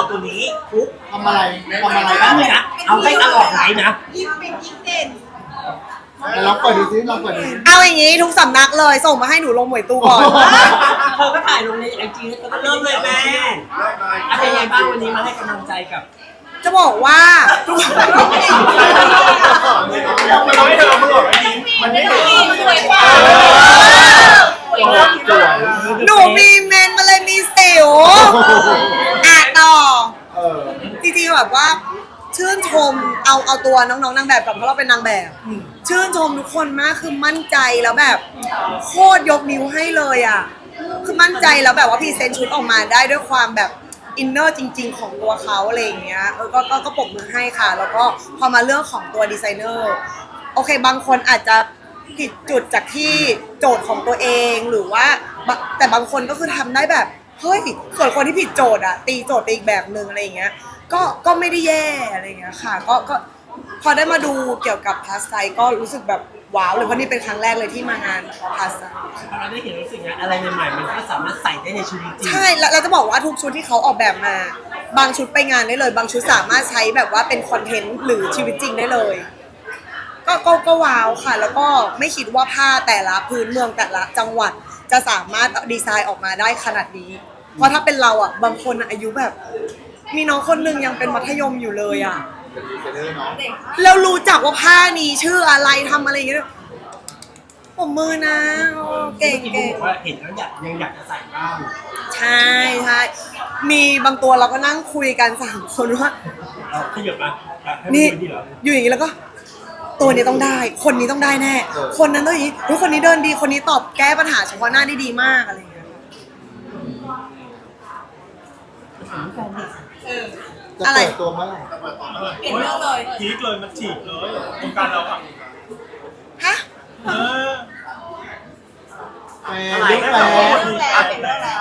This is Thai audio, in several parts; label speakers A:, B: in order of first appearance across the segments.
A: ตัวนี้ปุ๊บ
B: ทำอะไรบ้าง
A: นี่นะเอาให้ตลอดไหนนะ
C: ยิ้มเป็นยิ้มเด่น
B: ลองเปิดดูซิลองเปิดดูซิ
D: เอาอย่างนี้ทุกสำนักเลยส่งมาให้หนูลงหมวยตู้ก่อน
A: เธอก็ถ่ายลงในไอจีแล้วก็เริ่มเลยแม่เป็นไงบ้างวันนี้มาให้กำลังใจกับ
D: จะบอกว่าทุก
B: เราไม่เธอเราเพิ่งออกไปยิ้มมันไม่ถูก
C: สวยกว่า
B: สวย
D: หนูมีเมนมาเลยมีสิวต่อจริงๆแบบว่าชื่นชมเอาตัวน้องๆนางแบบก่อนเพราะเราเป็นนางแบบชื่นชมทุกคนมากคือมั่นใจแล้วแบบโคตรยกนิ้วให้เลยอ่ะคือมั่นใจแล้วแบบว่าพรีเซนต์ชุดออกมาได้ด้วยความแบบอินเนอร์จริงๆของตัวเขาอะไรอย่างเงี้ยก็ปรบมือให้ค่ะแล้วก็พอมาเรื่องของตัวดีไซเนอร์โอเคบางคนอาจจะผิดจุดจากที่โจทย์ของตัวเองหรือว่าแต่บางคนก็คือทำได้แบบเฮ้ยส่วนคนที่ผิดโจทย์อะตีโจทย์ไปอีกแบบนึงอะไรอย่างเงี้ยก็ไม่ได้แย่อะไรอย่างเงี้ยค่ะก็พอได้มาดูเกี่ยวกับพาสไซก็รู้สึกแบบว้าวเลยเพราะนี่เป็นครั้งแรกเลยที่มางานพาสไซ
A: เราได้เห็นรู้สึกไงอะไรใหม่ๆมันก็สามารถใส่ได้ในชีวิตจริง
D: ใช่แล้วเราจะบอกว่าทุกชุดที่เขาออกแบบมาบางชุดไปงานได้เลย บางชุดสามารถใช้แบบว่าเป็นคอนเทนต์หรือชีวิตจริงได้เลยก็ว้าวค่ะ แล้วก็ไม่คิดว่าผ้าแต่ละพื้นเมืองแต่ละจังหวัดจะสามารถดีไซน์ออกมาได้ขนาดนี้เพราะถ้าเป็นเราอ่ะบางคนอายุแบบมีน้องคนหนึ่งยังเป็นมัธยมอยู่เลยอ่ะแล้วรู้จักว่าผ้านี้ชื่ออะไรทำอะไรอย่างเงี้ยผมมือนะเก่ง
A: บอกว่าเห็นแล้วยังอยากจะใส่บ้าง
D: ใช่มีบางตัวเราก็นั่งคุยกัน3 คนว่า
A: ขยับมาให้
D: นี่
A: ดูดีเหรอ
D: อยู่อย่างนี้แล้วก็ ตัวนี้ต้องได้ คนนี้ต้องได้แน่ คนนั้นต้องอย่างนี้คนนี้เดินดีคนนี้ตอบแก้ปัญหาเฉพาะหน้าได้ดีมากอะไรอย่างเงี้ย
B: จะเปิดตัวเมื่อไหร่
C: เปลี่ยนเรื่องเลย
E: พีคเลยมันฉีกเลยโครงการเราอ่ะ
D: ฮะ
E: เออ
B: แฟนเรื่องแฟน
C: เปลี่ยนเรื่องแล้ว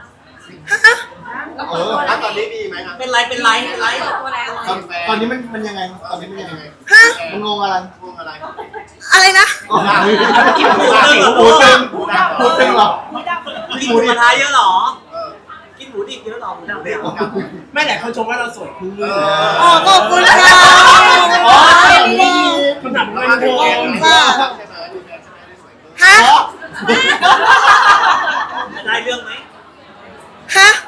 B: ตอนนี้มีไหมครับ
A: เป็นไรตัวแล้ว
B: ตอนนี้มันยังไงตอนนี้มันยังไง
D: ฮะ
B: มันงงอะไร
D: อะไรนะ
A: กินหมู
B: หูตึงหูตึงเหรอ
A: กินหมูกระทะเยอะหรอกินหมูดิบเยอะหรอหมูดำเลยไม่หลายคนชมว่าเราสวยขึ้น
D: อ๋อขอบคุณค่ะ
B: อ๋อ
A: คนถามว่าเป็นโม
D: ค่ะฮะ
A: ได้เรื่องไหม
D: ฮะ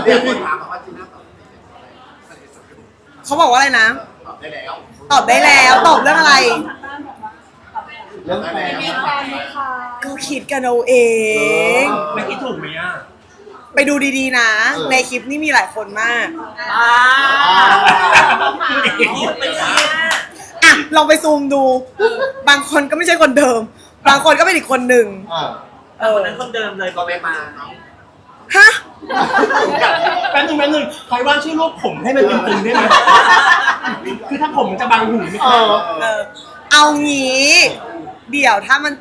D: เขาบอกว่าอะไรนะ ตอบได้แล้วตอบเรื่องอะไร
B: เรื่องแฟน
D: ก็คิดกันเอาเอง
A: ไม่คิดถูกไหมอ่ะ
D: ไปดูดีๆนะ ในคลิปนี่มีหลายคนมาก
A: คิดไปเลย
D: อ่ะลองไปซูมดู บางคนก็ไม่ใช่คนเดิม บางคนก็เป็นอีกคนหนึ่ง
A: คนนั้นคนเดิมเลยก็ไม่มา
D: ฮะ
A: แป๊บนึงใครว่าชื่อรูปผมให้มันตึงๆได้ไหมคือถ้าผมมันจะบังหูไม่
B: เอ
A: ได้
B: อ
D: เอางี้ เดี๋ยวถ้ามัน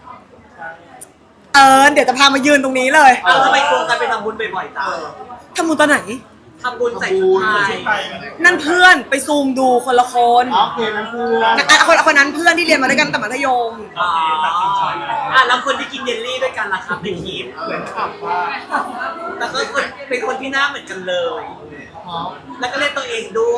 D: เดี๋ยวจะพามายืนตรงนี้เลย
A: เอาทำไมโครงการไปทำบุญบ่อยๆจ้า
D: ทำบุญตอนไหน
A: ทำบุญใส่ชุดไทย
D: นั่นเพื่อนไปซูมดูคนละคน
B: โอเคนั้นคือ
D: คนนั้นเพื่อนที่เรียนมาด้วยกันแต่มัธยม
A: แล้วคนที่กินเยลลี่ด้วยกันล่ะครับในคลิปเหมือนขับว่าแต่ก็เป็นคนที่หน้าเหมือนกันเลย แล้วก็เล่นตัวเองด้วย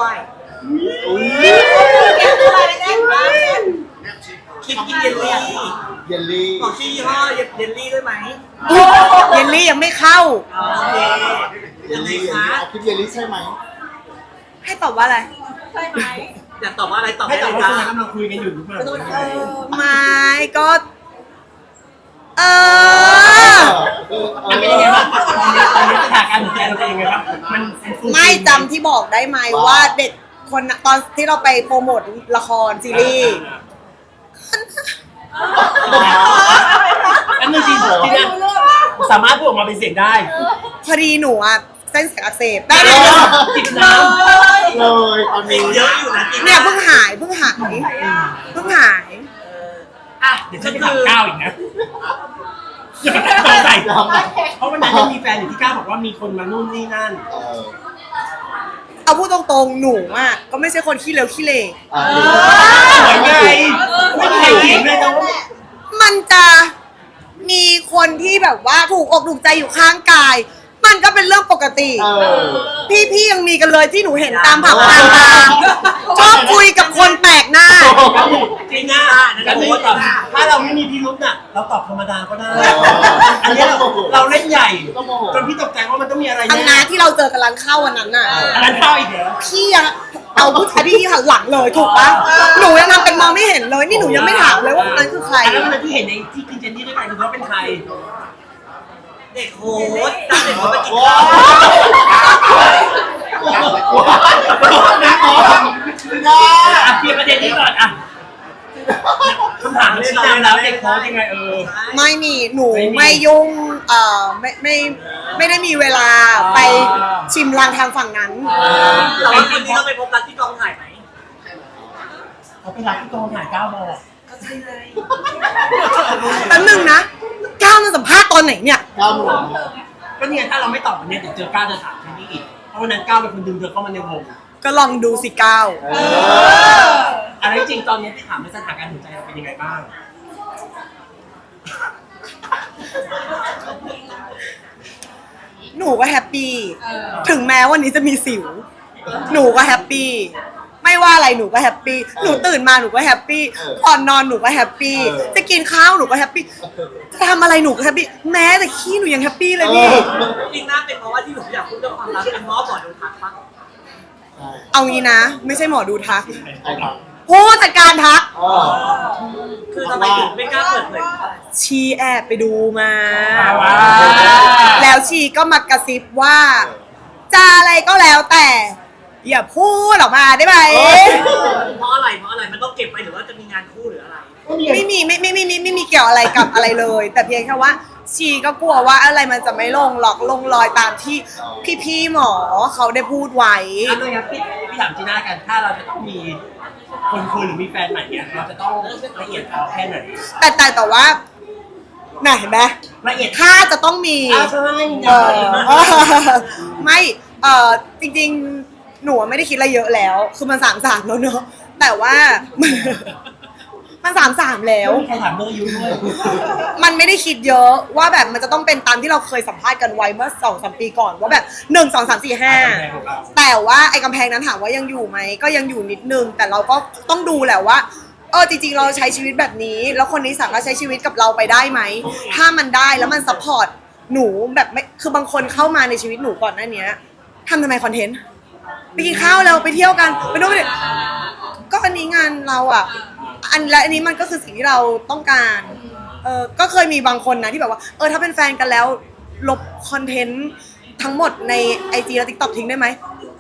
A: คลิปกินเยลลี่
B: เยลลี่
A: บอกชื่อยี่ห้อเยลลี่ด้วยไหม
D: เยลลี่ยังไม่เข้า
A: โอเค
B: เย
A: ยั
B: ล
A: งไง
B: ลี่
A: คะ
B: เอาคลิปเยลลี่ใช่ไหม
D: ให้ตอบว่าอะไร
A: อยากตอบว่าอะไรตอบให้ตอบว่าคุณกำลังคุยกันอยู่หรือเปล่า
D: ไม่ก็
A: เป็นยังไงบ้างตอนนี้สถานการณ์ของแกเราเป็นยังไงบ้างมัน
D: ไม่จำที่บอกได้ไหมว่าเด็กคนน่ะตอนที่เราไปโปรโมทละครซีรีส์
A: อันนึงจริงนะสามารถพูดออกมาเป็นเสียงได้
D: พอดีหนูอ่ะเส้นเสียงอักเสบได้
A: จิบน้
B: เลยตอนนี้
A: ำเยอะอยู่นะ
D: เนี่ยเพิ่งหาย
A: อ่ะเดี๋ยวฉันจะถามก้าวอีกนะต้องใส่เพราะวันนั้นยังมีแฟนอยู่ที่ก้าวบอกว่ามีคนมานู่นนี่นั่น
D: เอาพูดตรงๆหนูอ่ะก็ไม่ใช่คนขี้เลวขี้เล
A: สวยไงไม่มีใครเถียงเลยนะว่า
D: มันจะมีคนที่แบบว่าถูกอกถูกใจอยู่ข้างกาย บมันก็เป็นเรื่องปกติ
B: เออ
D: พี่ยังมีกันเลยที่หนูเห็นตามผับตามบาร์ชอบคุยกับคนแปลกหน้า
E: จริงนะกันนี่ถ้าเราไม่มีพิรุธน่ะเราตอบธรรมดาก็ได้ อันนี้เราเล่นใหญ่จนพี่ตกใจว่ามันต้องมีอะไร
D: อัน
E: แน่
D: นะที่เราเจอกันร้านข้าววันนั้นน่ะ
E: อันนั้นเข้าอีกเหรอ
D: พี่ยังเอาผู้ชายที่หันหลังเลยถูกปะหนูยังทำเป็นมองไม่เห็นเลยนี่หนูยังไม่ถามเลยว่าคนนั้นคือใคร
E: อันนั้นมันที่เห็นในที่กินเจนนี่ด้วยกันคือเขาเป็นใคร
A: เด็กโหดตั้งเด็กโหดไปกิน
B: ว้า
A: ข้าว
B: วนะอ๋อนะ
E: อ่ะเคลียร์ประเด็นนี้ก่อนอ่ะคำถามชี้นำแล้วเด็กโค้ชยังไง
D: ไม่มีหนูไม่ยุ่งไม่ได้มีเวลาไปชิมลางทางฝั่งนั้น
A: แต่ว่าคนนี้เราไปพบรักที่กองถ่ายไหม
E: เขาไปรับที่กองถ่าย9 โมง
A: ก็ใช่ไง
D: แป๊บนึงนะก้าวมาสัมภาษณ์ตอนไหนเนี่ย
B: ก้าวหลวง
E: ก็เนี่ยถ้าเราไม่ตอบวันนี้เดี๋ยวเจอก้าวจะถามที่นี่อีกเพราะวันนั้นก้าวเป็นคนดึงเธอเข้ามาในวง
D: ก็ลองดูสิก้าว
E: อะไรจริงตอนนี้ที่ถามในสถานการณ์หัวใจเราเป็นยังไงบ้าง
D: หนูก็แฮปปี้ถึงแม้วันนี้จะมีสิว หนูก็แฮปปี้ไม่ว่าอะไรหนูก็แฮปปี้หนูตื่นมาหนูก็แฮปปี้ก่อนนอนหนูก็แฮปปี้จะกินข้าวหนูก็แฮปปี้จะทำอะไรหนูก็แฮปปี้แม้แต่ขี้หนูยังแฮปปี้เลยพี่
A: จริงน่าเป็นเพราะว่าที่หนูอยากพูดเรื่องความรักเป็นเพราะว่าหมอดูทักปะ
D: เอางี้นะ ไม่ใช่หมอดูทัก
B: ใช่ครับ
D: ผู้จัดการทัก
B: อ๋อ
A: คือทำไมถึงไม่กล้าเปิดเผย
D: ชีแอบไปดูมา
E: ว้าว
D: แล้วชีก็มากระซิบว่าจะอะไรก็แล้วแต่ อย่าพูดออกมาได้ไหม
A: เพราะอะไรมันต้องเก็บไปหรือว่าจะมีงานคู่หรืออะไร
D: ไม่มีเกี่ยวอะไรกับอะไรเลย แต่เพียงแค่ว่าชีก็กลัวว่าอะไรมันจะไม่ลงหรอกลงรอยตามที่พี่หมอเขาได้พูดไว้
E: อันนั้นครับพี่ถามจีน่ากันถ้าเราจะต้องมีคนคุยหรือมีแฟนใหม่เนี่ยเราจะต้องละเอียดเอาแค่ไหน
D: แต่ว่าน่ะเห็นไหม
E: ละเอียด
D: ถ้าจะต้องมี
E: ใช่
D: ไม่จริงๆหนูไม่ได้คิดอะไรเยอะแล้ว คือมัน33แล้วเนอะแต่ว่า มัน33แล้ว
E: ใครถามเรื่องอายุด้วย
D: มันไม่ได้คิดเยอะว่าแบบมันจะต้องเป็นตามที่เราเคยสัมภาษณ์กันไว้เมื่อ 2-3 ปีก่อนว่าแบบ1 2 3 4 5แต่ว่าไอ้กำแพงนั้นถามว่ายังอยู่ไหมก็ยังอยู่นิดนึงแต่เราก็ต้องดูแหละว่าจริงๆเราใช้ชีวิตแบบนี้แล้วคนนี้สามารถใช้ชีวิตกับเราไปได้ไหมถ้ามันได้แล้วมันซัพพอร์ตหนูแบบไม่คือบางคนเข้ามาในชีวิตหนูก่อนหน้านี้ทำไมคอนเทนต์ไปกินข้าวแล้วไปเที่ยวกันไปนู่นไปนี่ก็อันนี้งานเราอ่ะและอันนี้มันก็คือสิ่งที่เราต้องการก็เคยมีบางคนนะที่แบบว่าถ้าเป็นแฟนกันแล้วลบคอนเทนต์ทั้งหมดใน IG และ TikTok ทิ้งได้ไหม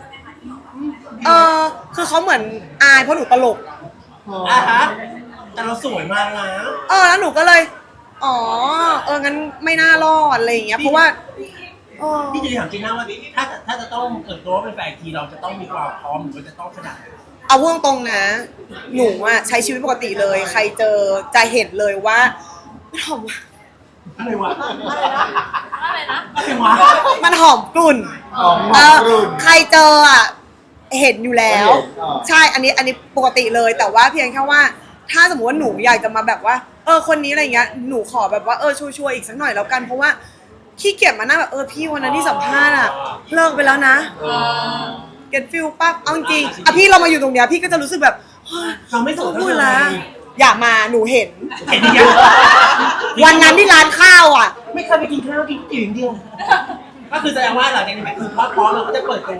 D: คือเขาเหมือนอายเพราะหนูตลก
E: ฮะแต่เราสวยมากนะ
D: แล้วหนูก็เลยงั้นไม่น่ารอดอะไรอย่างเงี้ยเพราะว่า
E: พี่จะถามจีน่าว่าถ้าจะต้องเปิดตัวเป็นแฟนทีเราจะต้องมีความพร้อมหรือว่าจะต้องขนาดไหน
D: เอาพูดตรงๆนะหนูอะใช้ชีวิตปกติเลยใครเจอจะเห็นเลยว่ามันหอม
E: อะไรวะ
C: อะไรนะ
E: อะไรวะ
D: มันหอมกลุ่น
B: อ๋อรุ่น
D: ใครเจออะเห็นอยู่แล้ว
B: เห็นอ๋อ
D: ใช่อันนี้ปกติเลยแต่ว่าเพียงแค่ว่าถ้าสมมติว่าหนูอยากจะมาแบบว่าคนนี้อะไรเงี้ยหนูขอแบบว่าชัวร์ๆอีกสักหน่อยแล้วกันเพราะว่าขี้เกียจมานั่งแบบพี่วันนั้นที่สัมภาษณ์อะเลิกไปแล้วนะเก็ตฟิลปั๊บเอาจริงๆพี่เรามาอยู่ตรงเนี้ยพี่ก็จะรู้สึกแบบ
E: เราไม่สน
D: พู
E: เท่า
D: ด
E: ไหร่
D: ละอย่ามาหนูเห็น
E: เห็นยัง
D: วันนั้นที่ร้านข้าวอ่ะ
E: ไม่เคยไปกินข้าวกินก๋วยเตี๋ยวอย่างเดียวก็คือแสดงว่าหลังจากนี้คือพร้อมเราก็จะเปิดตัว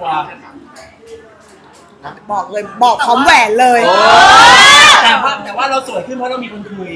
D: บอกเลยบอกพร้อมแหวนเลย
E: แต่ว่าเราสวยขึ้นเพราะเรามีคนคุย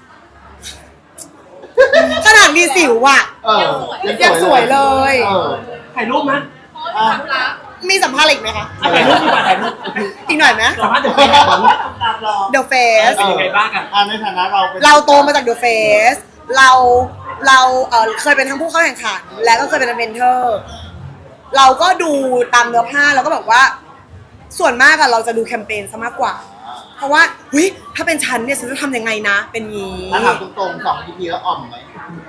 D: ขนาดมีสิวอ่ะ ยังสวยเลย
E: ถ่ายรูปไหม
D: มีสัมภาษณ์อะไรอีกไหมคะ
E: ถ่ายรูปดีกว่าถ่ายรูป
D: อีกหน่อยไหม
E: สามารถเดี๋ยวไปก่อน
D: The Face
E: เป็นยังไงบ้างกัน
B: ในฐานะเราเป็น
D: เราโตมาจาก The Face เราเคยเป็นทั้งผู้เข้าแข่งขันและก็เคยเป็นเมนเทอร์เราก็ดูตามเนื้อผ้าแล้วก็แบบว่าส่วนมากอะเราจะดูแคมเปญซะมากกว่า เพราะว่าถ้าเป็นฉันเนี่ยฉันจะทำยังไงนะเป็นงี้
B: ถ้าถามตรงๆ2 EP แล้วอ่อมไหม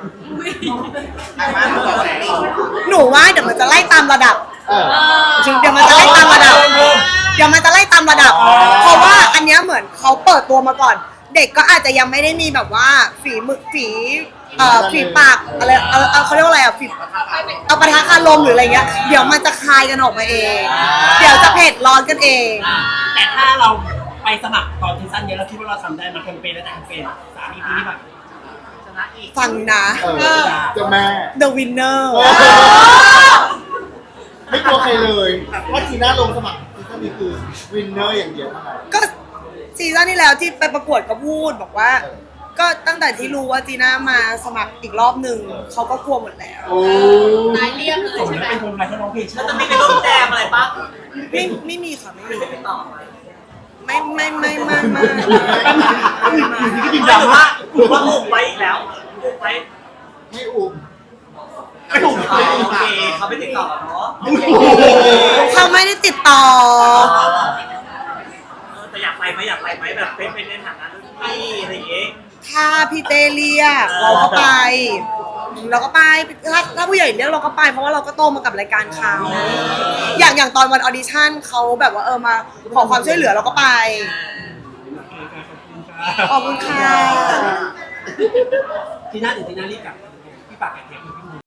D: หนูว่าเดี๋ยวมันจะไล่ตามระดับ
B: จริง
D: เดี๋ยวมันจะไล่ตามระดับ เพราะว่าอันเนี้ยเหมือนเขาเปิดตัวมาก่อน เด็กก็อาจจะยังไม่ได้มีแบบว่าฝีฝีปากอะไรเขาเรียกว่าอะไรฝีเอาปะทะคารมหรืออะไรเงี้ยเดี๋ยวมันจะคายกันออกมาเอง เดี๋ยวจะเผ็ดร้อนกันเอง
E: แต่ถ้าเราไปสมัครตอนซีซั่นนี้เราคิดว่าเราทำได้มาแคมเปญและแคมเปญ3 EP แบบ
A: ชนะอีก
D: ฟังนะ
B: เจ้าแม่
D: The Winner
B: ไม่กลัวใครเลยว่าจีน่าลงสมัครซีซั่นนี้คือวินเนอร์อย่างเดียวเท่านั้น
D: ก็ซีซั่นที่แล้วที่ไปประกวดก็พูดบอกว่า ก็ตั้งแต่ที่รู้ว่าจีน่ามาสมัครอีกรอบหนึ่งเขาก็กลัวหมดแล้ว
B: โอ้
C: นายเรียบเลย
E: สม
C: ใช่
E: แล้ว
C: ไหม
E: เป็นคนไทยเขาร้องเพลง
A: แล้วจะมีไปร่วมแจมอะไรปะ
D: ไม่มีค่ะไม่มี
A: ไม่ไปต่อไหม
D: ไม่
E: ไม่
A: หรือว่าอุบไว้อีกแล้วอุบไว้
B: ไม่อุ้ม
E: ไม่ถูก
A: โอเคเขาไม่ติดต่อเนาะ
D: เขาไม่ได้ติดต่อ
A: แต่อยากไปไหมแบบเป็นในฐานะรุ่นพี่อะไรอย่างเงี้ย
D: ถ้าพี่เต้เรียกเราก็ไปถ้าผู้ใหญ่เรียกเราก็ไปเพราะว่าเราก็โตมากับรายการเขาอย่างตอนวันออดิชั่นเขาแบบว่ามาขอความช่วยเหลือเราก็ไปขอบคุณค่ะ
E: ทีน่าหรือทีน่ารีบกลับพี่ปากแกะเทปพี่